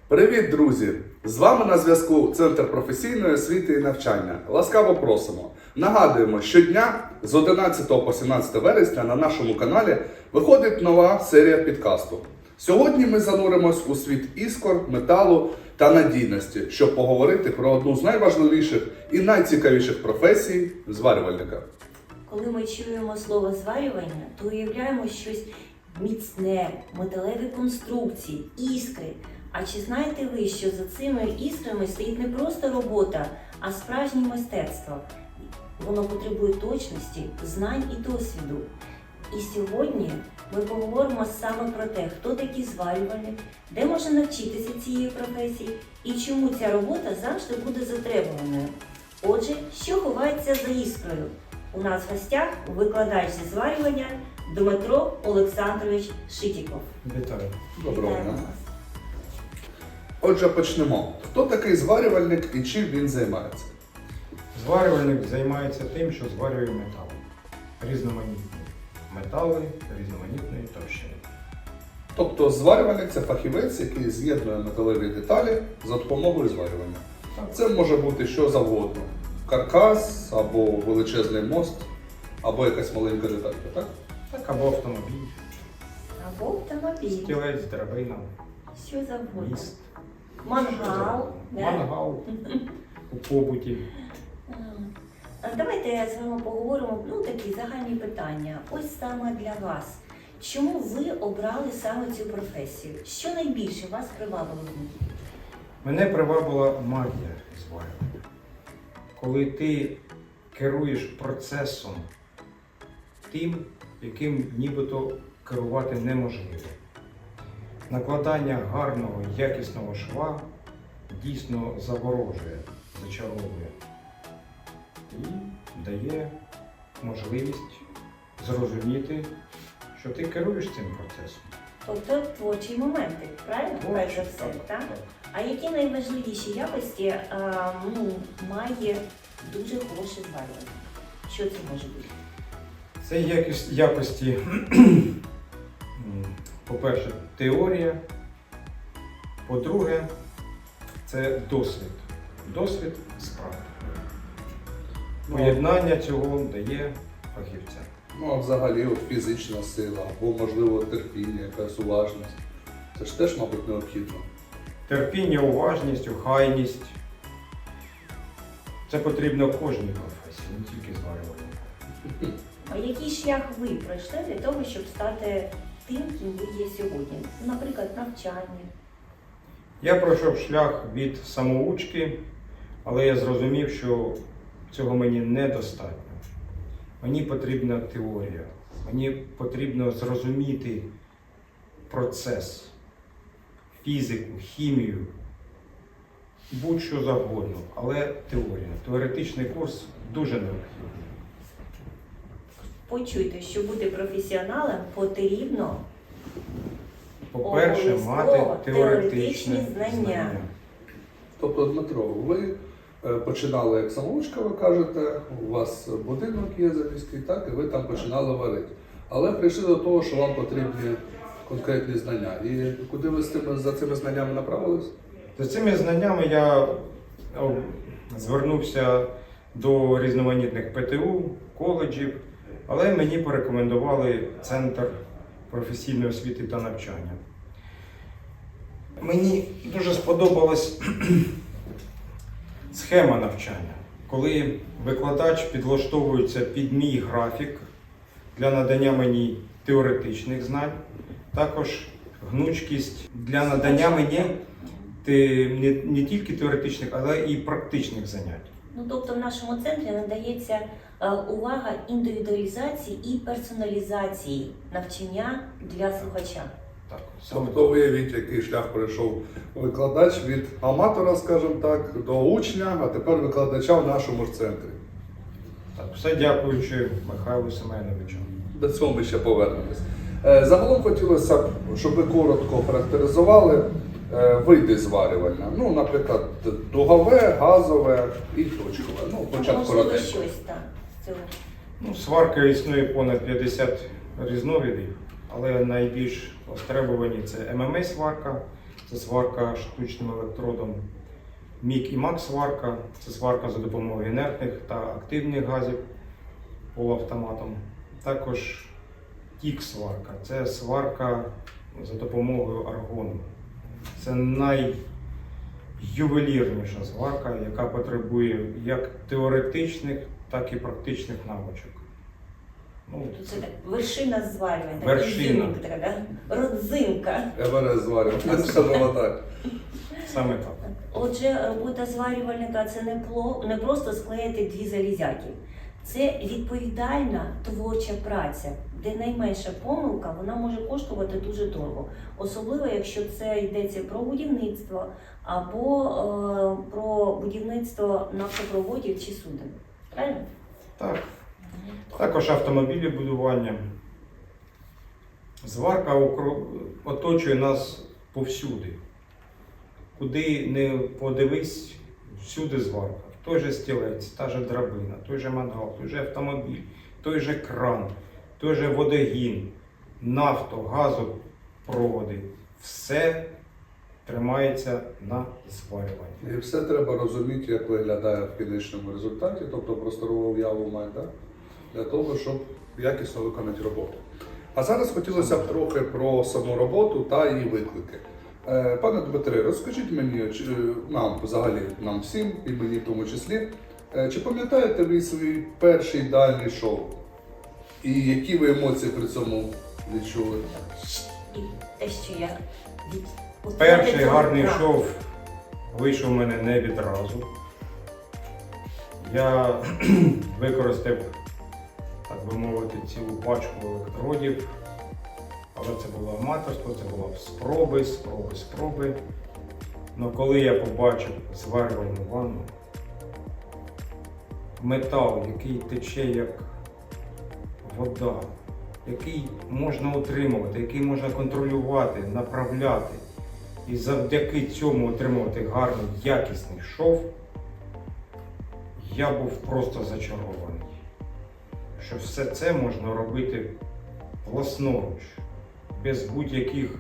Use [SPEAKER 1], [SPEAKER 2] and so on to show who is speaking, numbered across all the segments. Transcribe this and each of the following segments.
[SPEAKER 1] Привіт, друзі! З вами на зв'язку Центр професійної освіти і навчання. Ласкаво просимо! Нагадуємо, щодня з 11 по 17 вересня на нашому каналі виходить нова серія підкасту. Сьогодні ми зануримось у світ іскор, металу та надійності, щоб поговорити про одну з найважливіших і найцікавіших професій – зварювальника.
[SPEAKER 2] Коли ми чуємо слово зварювання, то уявляємо щось міцне, металеві конструкції, іскри. А чи знаєте ви, що за цими іскрами стоїть не просто робота, а справжнє мистецтво? Воно потребує точності, знань і досвіду. І сьогодні ми поговоримо саме про те, хто такий зварювальник, де можна навчитися цієї професії і чому ця робота завжди буде затребуваною. Отже, що ховається за іскрою? У нас в гостях викладач зі зварювання Дмитро Олександрович Шитіков.
[SPEAKER 3] Вітаю.
[SPEAKER 1] Доброго
[SPEAKER 2] Вітаємо
[SPEAKER 1] дня.
[SPEAKER 2] вас.
[SPEAKER 1] Отже, почнемо. Хто такий зварювальник і чим він займається?
[SPEAKER 3] Зварювальник займається тим, що зварює метал. Різноманітні метали різноманітної товщини.
[SPEAKER 1] Тобто зварювальник – це фахівець, який з'єднує металеві деталі за допомогою зварювання. Це може бути що завгодно. Каркас, або величезний мост, або якась маленька деталька, так?
[SPEAKER 3] Так, або автомобіль,
[SPEAKER 2] Або автомобіль,
[SPEAKER 3] стілець, драбина,
[SPEAKER 2] що завгодно.
[SPEAKER 3] міст,
[SPEAKER 2] Мангал. да?
[SPEAKER 3] мангал у побуті.
[SPEAKER 2] Давайте з вами поговоримо, такі загальні питання. Ось саме для вас. Чому ви обрали саме цю професію? Що найбільше вас привабило в ній?
[SPEAKER 3] Мене привабила магія зварювання. Коли ти керуєш процесом тим, яким нібито керувати неможливо. Накладання гарного, якісного шва дійсно заворожує, зачаровує і дає можливість зрозуміти, що ти керуєш цим процесом.
[SPEAKER 2] Тобто творчі моменти, правильно? Перш за все, так? А які найважливіші якості має дуже хороше зварювання? Що це може бути?
[SPEAKER 3] Це якості, по-перше, теорія, по-друге, це досвід. Досвід з практикою. Поєднання цього дає фахівця.
[SPEAKER 1] Ну, а взагалі от фізична сила, або, можливо, терпіння, якась уважність. Це ж теж, мабуть, необхідно.
[SPEAKER 3] Терпіння, уважність, охайність. Це потрібно в кожній професії, не тільки зварювальнику.
[SPEAKER 2] А який шлях ви пройшли для того, щоб стати тим, ким ви є сьогодні? Наприклад, навчання.
[SPEAKER 3] Я пройшов шлях від самоучки, але я зрозумів, що цього мені недостатньо. Мені потрібна теорія, мені потрібно зрозуміти процес, фізику, хімію, будь-що завгодно, але теорія. Теоретичний курс дуже необхідний.
[SPEAKER 2] Почуйте, що бути професіоналом потрібно
[SPEAKER 3] По-перше, мати
[SPEAKER 2] обов'язково
[SPEAKER 3] теоретичне
[SPEAKER 2] теоретичні знання.
[SPEAKER 1] Тобто, Дмитро, ви починали як самоучка, ви кажете, у вас будинок є заміський, так, і ви там починали варити. Але прийшли до того, що вам потрібні конкретні знання. І куди ви за цими знаннями направились?
[SPEAKER 3] За цими знаннями я звернувся до різноманітних ПТУ, коледжів, але мені порекомендували Центр професійної освіти та навчання. Мені дуже сподобалась схема навчання, коли викладач підлаштовується під мій графік для надання мені теоретичних знань, також гнучкість для надання мені не тільки теоретичних, але і практичних занять.
[SPEAKER 2] Тобто в нашому центрі надається увага індивідуалізації і персоналізації навчання для слухача.
[SPEAKER 3] Так, саме
[SPEAKER 1] Тобто уявіть, який шлях пройшов викладач від аматора, скажімо так, до учня, а тепер викладача в нашому ж центрі.
[SPEAKER 3] так, все дякуючи Михайлу Семеновичу.
[SPEAKER 1] До цього ми ще повернемось. Загалом хотілося б, щоб ви коротко характеризували види зварювання. Ну, наприклад, дугове, газове і точкове. Початку
[SPEAKER 2] Можливо,
[SPEAKER 1] коротенько.
[SPEAKER 2] щось так з цього.
[SPEAKER 3] Сварка існує понад 50 різновидів, але найбільш востребовані це ММА-сварка, це сварка штучним електродом. Мік і Мак сварка це сварка за допомогою інертних та активних газів полуавтоматом. Також тік сварка це сварка за допомогою аргону. Це найювелірніша сварка, яка потребує як теоретичних, так і практичних навичок. Ну,
[SPEAKER 2] Це так, вершина зварювання,
[SPEAKER 3] Вершина.
[SPEAKER 2] родзинка.
[SPEAKER 1] МРС зварювання, скажімо так.
[SPEAKER 3] саме так.
[SPEAKER 2] Отже, робота зварювальника це не просто склеїти дві залізяки. Це відповідальна творча праця, де найменша помилка вона може коштувати дуже дорого. Особливо, якщо це йдеться про будівництво або про будівництво нафтопроводів чи суден. Правильно?
[SPEAKER 3] Так. Також автомобілі будування. Зварка оточує нас повсюди. Куди не подивись, всюди зварка. Той же стілець, та же драбина, той же мангал, той же автомобіль, той же кран, той же водогін, газопроводи. Все тримається на зварюванні.
[SPEAKER 1] І все треба розуміти, як виглядає в кінечному результаті, тобто просторову уяву мати, да? Для того, щоб якісно виконати роботу. А зараз хотілося б трохи про саму роботу та її виклики. Пане Дмитре, розкажіть мені, нам взагалі, нам всім, і мені в тому числі, чи пам'ятаєте ви свій перший дальній шоу? І які ви емоції при цьому відчули?
[SPEAKER 2] І те, що я
[SPEAKER 3] Перший гарний шов вийшов у мене не відразу. Я використав, так би мовити, цілу пачку електродів. Але це було аматорство, це було спроби. Але коли я побачив зварювальну ванну, метал, який тече як вода, який можна утримувати, який можна контролювати, направляти, і завдяки цьому отримувати гарний, якісний шов, я був просто зачарований. Що все це можна робити власноруч, без будь-яких,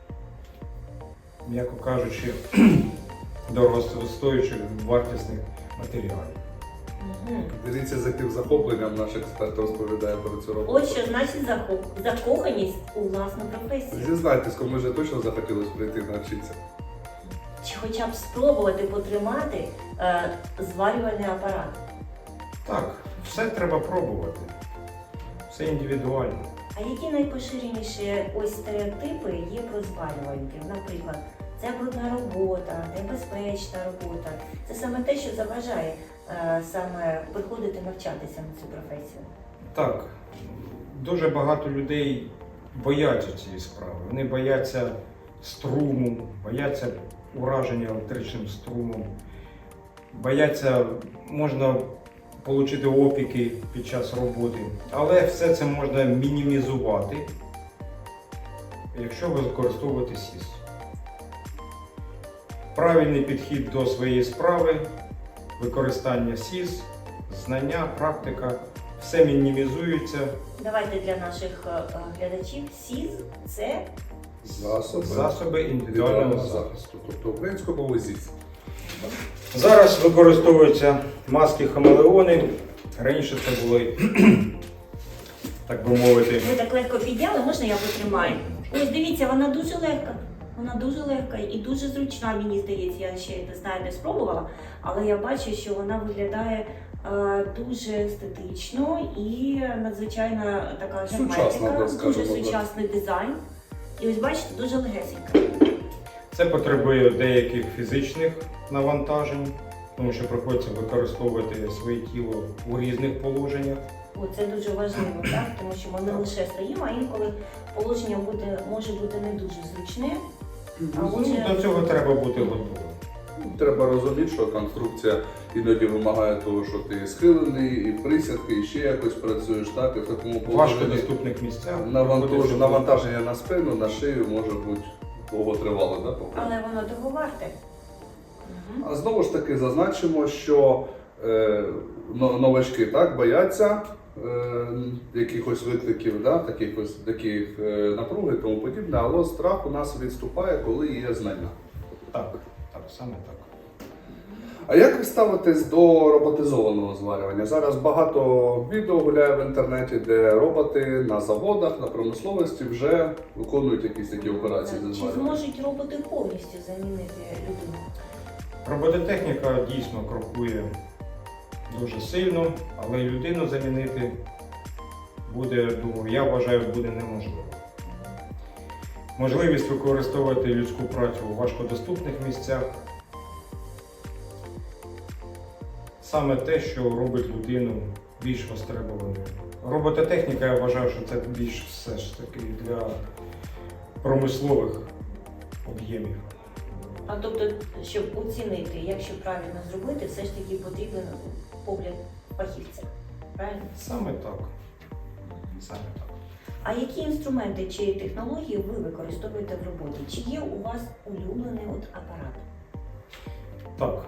[SPEAKER 3] м'яко кажучи, дорогостоючих вартісних матеріалів.
[SPEAKER 1] Дивіться, з яким захопленням наш експерт розповідає про цю роботу.
[SPEAKER 2] От що значить закоханість у власну професію.
[SPEAKER 1] Зізнайтесь, кому вже точно захотілося прийти навчитися.
[SPEAKER 2] Чи хоча б спробувати потримати зварювальний апарат.
[SPEAKER 3] Так, все треба пробувати. Все індивідуально.
[SPEAKER 2] А які найпоширеніші ось стереотипи є про зварювальників? Наприклад, це брудна робота, небезпечна робота. Це саме те, що заважає саме приходити навчатися на цю професію.
[SPEAKER 3] Так, дуже багато людей бояться цієї справи. Вони бояться струму, бояться ураження електричним струмом, бояться, можна отримати опіки під час роботи. Але все це можна мінімізувати, якщо ви використовуєте СІС. Правильний підхід до своєї справи, використання СІС, знання, практика, все мінімізується.
[SPEAKER 2] Давайте для наших глядачів СІЗ – це
[SPEAKER 3] Засоби індивідуального захисту.
[SPEAKER 1] захисту, тобто українською мовою ЗІС.
[SPEAKER 3] Зараз використовуються маски хамелеони. Раніше це були, так би мовити,
[SPEAKER 2] ви так легко підняли, можна я потримаю? Ось дивіться, вона дуже легка. Вона дуже легка і дуже зручна, мені здається. Я ще не знаю, не спробувала, але я бачу, що вона виглядає дуже естетично і надзвичайно така
[SPEAKER 1] Сучасна,
[SPEAKER 2] герметика,
[SPEAKER 1] так
[SPEAKER 2] дуже
[SPEAKER 1] скажемо,
[SPEAKER 2] сучасний дизайн. І ось бачите, дуже легесенька.
[SPEAKER 3] це потребує деяких фізичних навантажень, тому що приходиться використовувати своє тіло у різних положеннях.
[SPEAKER 2] О, це дуже важливо, так? Тому що ми не лише стоїмо, а інколи положення може бути не дуже зручне.
[SPEAKER 3] Ну, до цього треба бути готовим.
[SPEAKER 1] Треба розуміти, що конструкція іноді вимагає того, що ти схилений, і присядки, і ще якось працюєш, так, і в такому
[SPEAKER 3] В
[SPEAKER 1] положенні
[SPEAKER 3] важкодоступних місцях. приходиться
[SPEAKER 1] навантаження на спину, на шию може бути довготривале, да,
[SPEAKER 2] Але воно того варте.
[SPEAKER 1] А знову ж таки зазначимо, що новачки так бояться якихось викликів, да, таких напруги і тому подібне, але страх у нас відступає, коли є знання.
[SPEAKER 3] Так, саме так.
[SPEAKER 1] А як ви ставитесь до роботизованого зварювання? Зараз багато відео гуляє в інтернеті, де роботи на заводах, на промисловості вже виконують якісь такі операції зі
[SPEAKER 2] Чи
[SPEAKER 1] зварювання.
[SPEAKER 2] зможуть роботи повністю замінити людину?
[SPEAKER 3] Робототехніка дійсно крокує дуже сильно, але людину замінити буде, думаю, я вважаю, буде неможливо. Можливість використовувати людську працю у важкодоступних місцях саме те, що робить людину більш востребованою. Робототехніка, я вважаю, що це більш все ж таки для промислових об'ємів.
[SPEAKER 2] А тобто, щоб оцінити, якщо правильно зробити, все ж таки потрібен погляд фахівця. Правильно?
[SPEAKER 3] Саме так. Саме так.
[SPEAKER 2] А які інструменти чи технології ви використовуєте в роботі? Чи є у вас улюблений апарат?
[SPEAKER 3] Так.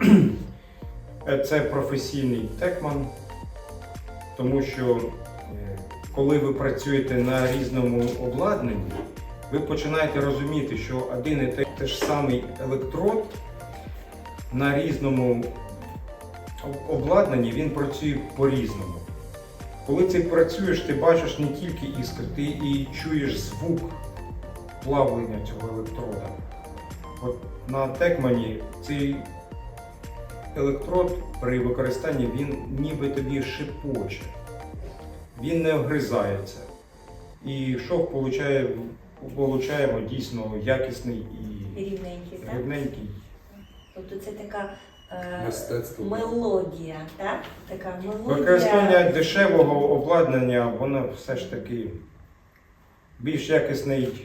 [SPEAKER 3] Це професійний текман, тому що коли ви працюєте на різному обладнанні, ви починаєте розуміти, що один і те ж самий електрод на різному обладнанні він працює по-різному. Коли ти працюєш, ти бачиш не тільки іскри, ти і чуєш звук плавлення цього електрода. От на текмані цей електрод при використанні він ніби тобі шипоче, він не огризається. І шов получаємо дійсно якісний і
[SPEAKER 2] Рівненький, так?
[SPEAKER 3] рівненький.
[SPEAKER 2] Тобто це така
[SPEAKER 1] Мистецтво.
[SPEAKER 2] мелодія, так? Така мелодія.
[SPEAKER 3] Використання дешевого обладнання, воно все ж таки більш якісний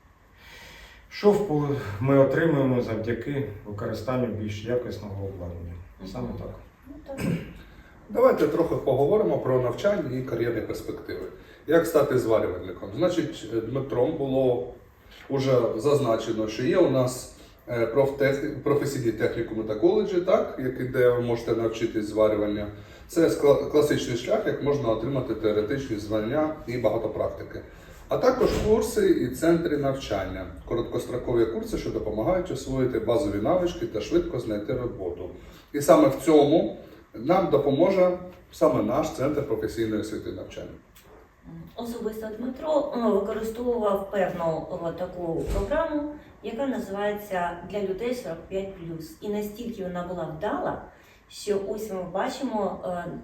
[SPEAKER 3] шов ми отримуємо завдяки використанню більш якісного обладнання. Саме так.
[SPEAKER 2] Ну, так.
[SPEAKER 1] Давайте трохи поговоримо про навчання і кар'єрні перспективи. Як стати зварювальником? Значить, Дмитром було вже зазначено, що є у нас професійні технікуми та коледжі, так, де ви можете навчитись зварювання. Це класичний шлях, як можна отримати теоретичні знання і багато практики. А також курси і центри навчання, короткострокові курси, що допомагають освоїти базові навички та швидко знайти роботу. І саме в цьому нам допоможе саме наш центр професійної освіти і навчання.
[SPEAKER 2] Особисто Дмитро використовував певну таку програму, яка називається «Для людей 45+». І настільки вона була вдала, що ось ми бачимо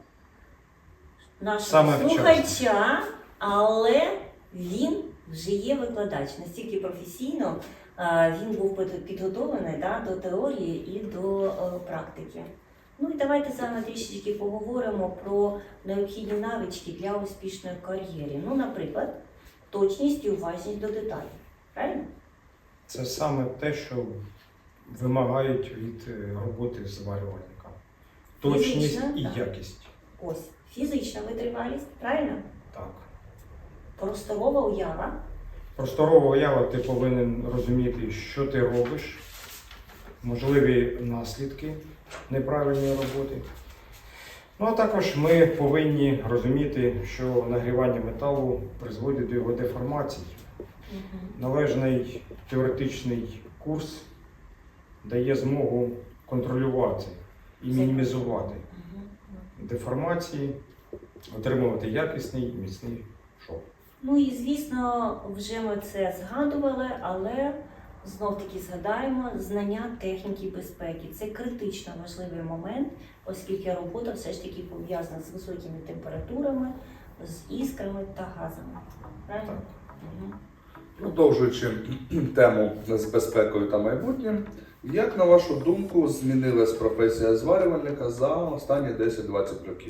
[SPEAKER 2] нашого
[SPEAKER 3] Саме
[SPEAKER 2] слухача, але він вже є викладач. Настільки професійно він був підготовлений до теорії і до практики. Ну і давайте саме трішечки поговоримо про необхідні навички для успішної кар'єри. Ну, наприклад, точність і уважність до деталей. Правильно?
[SPEAKER 3] Це саме те, що вимагають від роботи зварювальника. Точність
[SPEAKER 2] Фізична,
[SPEAKER 3] і
[SPEAKER 2] так.
[SPEAKER 3] якість.
[SPEAKER 2] Ось, фізична витривалість, правильно?
[SPEAKER 3] Так.
[SPEAKER 2] Просторова уява.
[SPEAKER 3] Просторова уява, ти повинен розуміти, що ти робиш, можливі наслідки неправильної роботи. Ну а також ми повинні розуміти, що нагрівання металу призводить до його деформації. Належний теоретичний курс дає змогу контролювати і мінімізувати деформації, отримувати якісний і міцний шов.
[SPEAKER 2] Ну і звісно, вже ми це згадували, але знов-таки згадаємо знання техніки безпеки. Це критично важливий момент, оскільки робота все ж таки пов'язана з високими температурами, з іскрами та газами. Правильно?
[SPEAKER 3] Так.
[SPEAKER 1] Продовжуючи тему з безпекою та майбутнім, як, на вашу думку, змінилась професія зварювальника за останні 10-20 років?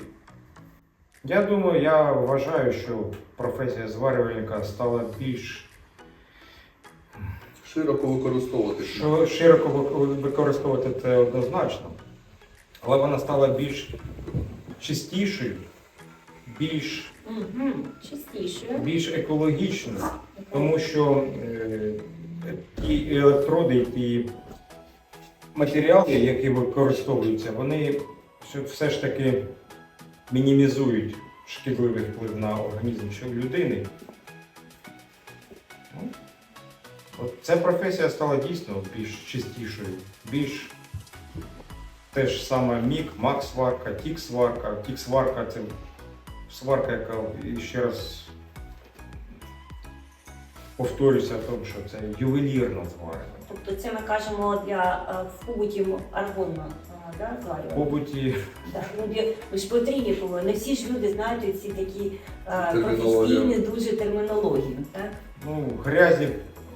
[SPEAKER 3] Я вважаю, що професія зварювальника стала більш
[SPEAKER 1] Широко використовувати.
[SPEAKER 3] широко використовувати це однозначно, але вона стала більш чистішою,
[SPEAKER 2] Чистішою.
[SPEAKER 3] більш екологічною, тому що ті електроди, ті матеріали, які використовуються, вони все ж таки мінімізують шкідливий вплив на організм людини. Ну, от ця професія стала дійсно більш чистішою, більш те ж саме мік, мак-сварка, тік-сварка. Тік-сварка це сварка, яка, і ще раз повторюся, тому що це ювелірна зварка.
[SPEAKER 2] Тобто це ми кажемо для в побуті аргонно, да,
[SPEAKER 3] В
[SPEAKER 2] зварювання?
[SPEAKER 3] побуті
[SPEAKER 2] Так, ну, ви ж потрібні були. Не всі ж люди знають ці такі
[SPEAKER 1] Термінологію.
[SPEAKER 2] професійні дуже термінології. Так?
[SPEAKER 3] ну, грязі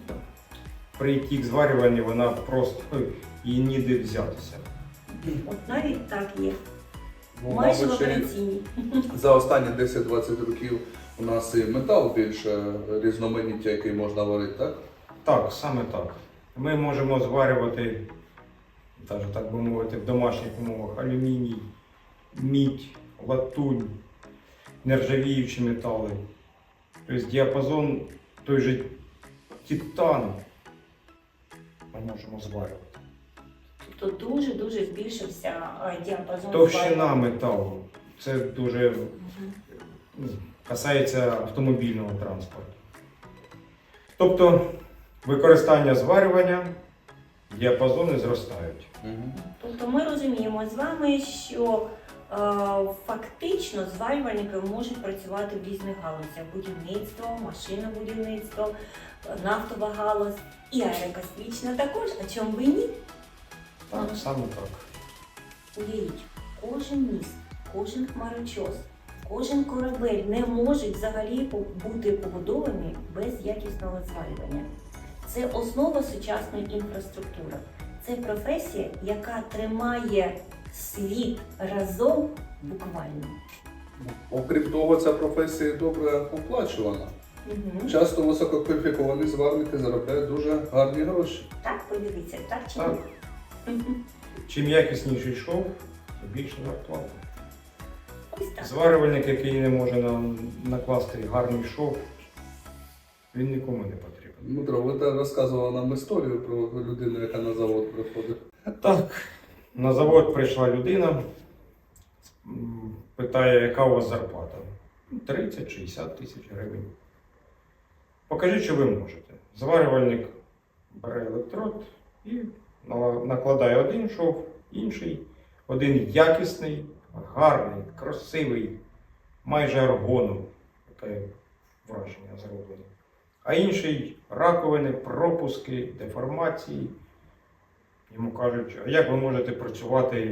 [SPEAKER 3] при тік-зварюванні вона просто її ніде взятися.
[SPEAKER 2] От навіть так є.
[SPEAKER 1] Ну,
[SPEAKER 2] Майже в
[SPEAKER 1] мабуть, ще й
[SPEAKER 2] операційній.
[SPEAKER 1] за останні 10-20 років у нас і метал більше різноманіття, який можна варити, так?
[SPEAKER 3] Так, саме так. Ми можемо зварювати, навіть так би мовити, в домашніх умовах алюміній, мідь, латунь, нержавіючі метали. Тобто діапазон той же титан ми можемо зварювати.
[SPEAKER 2] Тобто дуже-дуже збільшився діапазон
[SPEAKER 3] Товщина
[SPEAKER 2] зварювання.
[SPEAKER 3] металу. Це дуже ну, касається автомобільного транспорту. Тобто використання зварювання, діапазони зростають.
[SPEAKER 2] Тобто ми розуміємо з вами, що фактично зварювальники можуть працювати в різних галузях: будівництво, машинобудівництво, нафтова галузь і аерокосмічна також. А чому би ні?
[SPEAKER 3] Так, саме так.
[SPEAKER 2] Уявіть, кожен міст, кожен хмарочос, кожен корабель не можуть взагалі бути побудовані без якісного зварювання. Це основа сучасної інфраструктури. Це професія, яка тримає світ разом буквально.
[SPEAKER 1] Окрім того, ця професія добре оплачувана.
[SPEAKER 2] Угу.
[SPEAKER 1] Часто висококваліфіковані зварники заробляють дуже гарні гроші.
[SPEAKER 2] Так, подивіться, так чи
[SPEAKER 3] Так.
[SPEAKER 2] ні?
[SPEAKER 3] Чим якісніший шов, тим більше зарплата.
[SPEAKER 2] Ось так.
[SPEAKER 3] Зварювальник, який не може накласти гарний шов, він нікому не потрібен.
[SPEAKER 1] Дмитро, ви розказували нам історію про людину, яка на завод приходить.
[SPEAKER 3] Так, на завод прийшла людина, питає, яка у вас зарплата? 30-60 тисяч гривень. Покажіть, що ви можете. Зварювальник бере електрод і накладає один шов, інший, один якісний, гарний, красивий, майже аргоном, таке враження зроблено. А інший раковини, пропуски, деформації. Йому кажуть, а як ви можете працювати,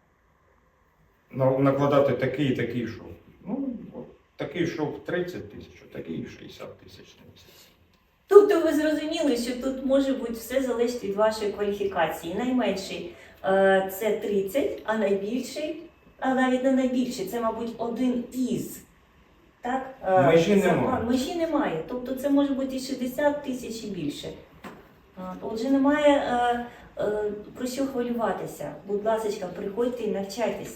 [SPEAKER 3] накладати такий і такий шов? Ну, от, такий шов 30 тисяч, а такий 60 тисяч на місяць.
[SPEAKER 2] Тобто ви зрозуміли, що тут може бути все залежить від вашої кваліфікації. Найменший це 30, а найбільший, а навіть не найбільший, це, мабуть, один із. Так?
[SPEAKER 3] Межі немає.
[SPEAKER 2] Межі немає. Тобто це може бути і 60 тисяч і більше. Отже, немає про що хвилюватися. Будь ласка, приходьте і навчайтесь.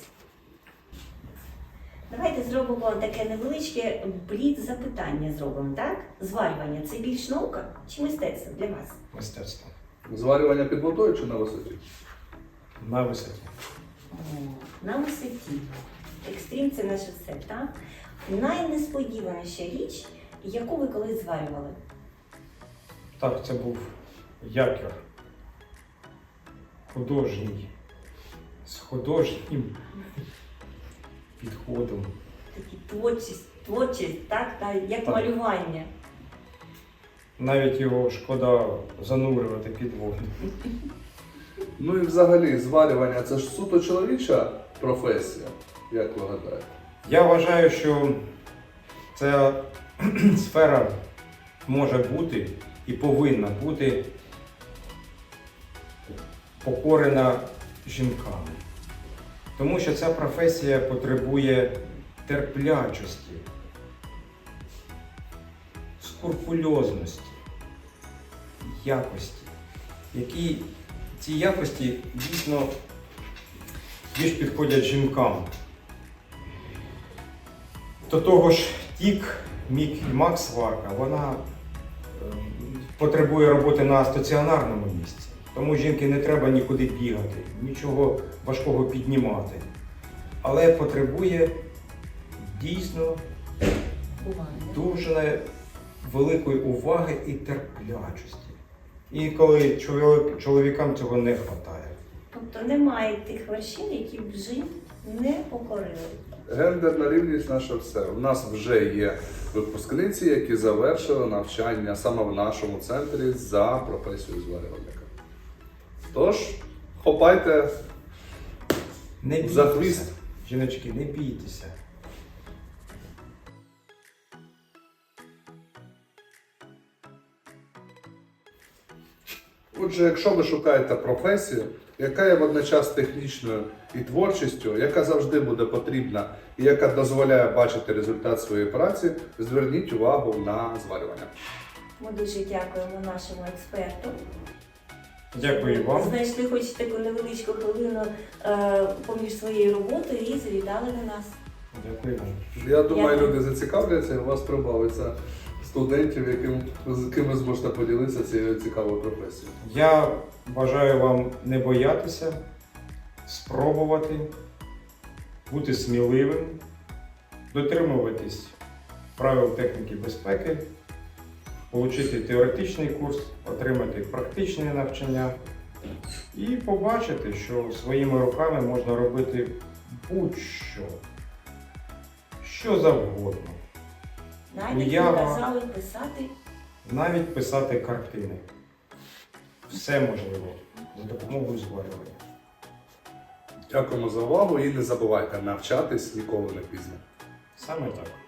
[SPEAKER 2] Давайте зробимо таке невеличке бліц-запитання зробимо, так? Зварювання – це більш наука чи мистецтво для вас?
[SPEAKER 3] Мистецтво.
[SPEAKER 1] Зварювання під водою чи на висоті?
[SPEAKER 3] На висоті.
[SPEAKER 2] На висоті. Екстрім – це наше все, так? Найнесподіваніша річ, яку ви колись зварювали?
[SPEAKER 3] Так, це був якір. Художній. З художнім підходом.
[SPEAKER 2] Такі творчість, так? Як
[SPEAKER 3] Так.
[SPEAKER 2] малювання.
[SPEAKER 3] Навіть його шкода занурювати під воду.
[SPEAKER 1] Ну і взагалі, зварювання це ж суто чоловіча професія, як ви гадаєте?
[SPEAKER 3] Я вважаю, що ця сфера може бути і повинна бути покорена жінками. Тому що ця професія потребує терплячості, скрупульозності, якості, які ці якості дійсно більш підходять жінкам. До того ж, тік, мік і мак-сварка, вона потребує роботи на стаціонарному місці. Тому жінки не треба нікуди бігати, нічого важкого піднімати. Але потребує дійсно
[SPEAKER 2] Буває.
[SPEAKER 3] дуже великої уваги і терплячості. І коли чоловікам цього не вистачає.
[SPEAKER 2] Тобто немає тих вершин, які б жінок не покорили.
[SPEAKER 1] Гендерна рівність наше все. У нас вже є випускниці, які завершили навчання саме в нашому центрі за професією зварювальника. Тож, хопайте
[SPEAKER 3] Не
[SPEAKER 1] за
[SPEAKER 3] бійтеся.
[SPEAKER 1] хвіст.
[SPEAKER 3] Жіночки, не бійтеся.
[SPEAKER 1] Отже, якщо ви шукаєте професію, яка є водночас технічною і творчістю, яка завжди буде потрібна і яка дозволяє бачити результат своєї праці, зверніть увагу на зварювання.
[SPEAKER 2] Ми дуже дякуємо нашому експерту.
[SPEAKER 3] Дякую вам.
[SPEAKER 2] Знайшли хоч таку невеличку хвилину поміж своєю роботою і завітали до нас.
[SPEAKER 3] Дякую вам.
[SPEAKER 1] Я думаю,
[SPEAKER 2] Дякую.
[SPEAKER 1] люди зацікавляться, і у вас прибавиться студентів, з ким ви зможете поділитися цією цікавою професією.
[SPEAKER 3] Я бажаю вам не боятися, спробувати, бути сміливим, дотримуватись правил техніки безпеки, отримати теоретичний курс, отримати практичне навчання і побачити, що своїми руками можна робити будь-що, що завгодно.
[SPEAKER 2] Навіть
[SPEAKER 3] Уява.
[SPEAKER 2] казали писати.
[SPEAKER 3] Навіть писати картини. Все можливо за допомогою зварювання.
[SPEAKER 1] Дякуємо за увагу і не забувайте навчатись ніколи не пізно.
[SPEAKER 3] Саме так.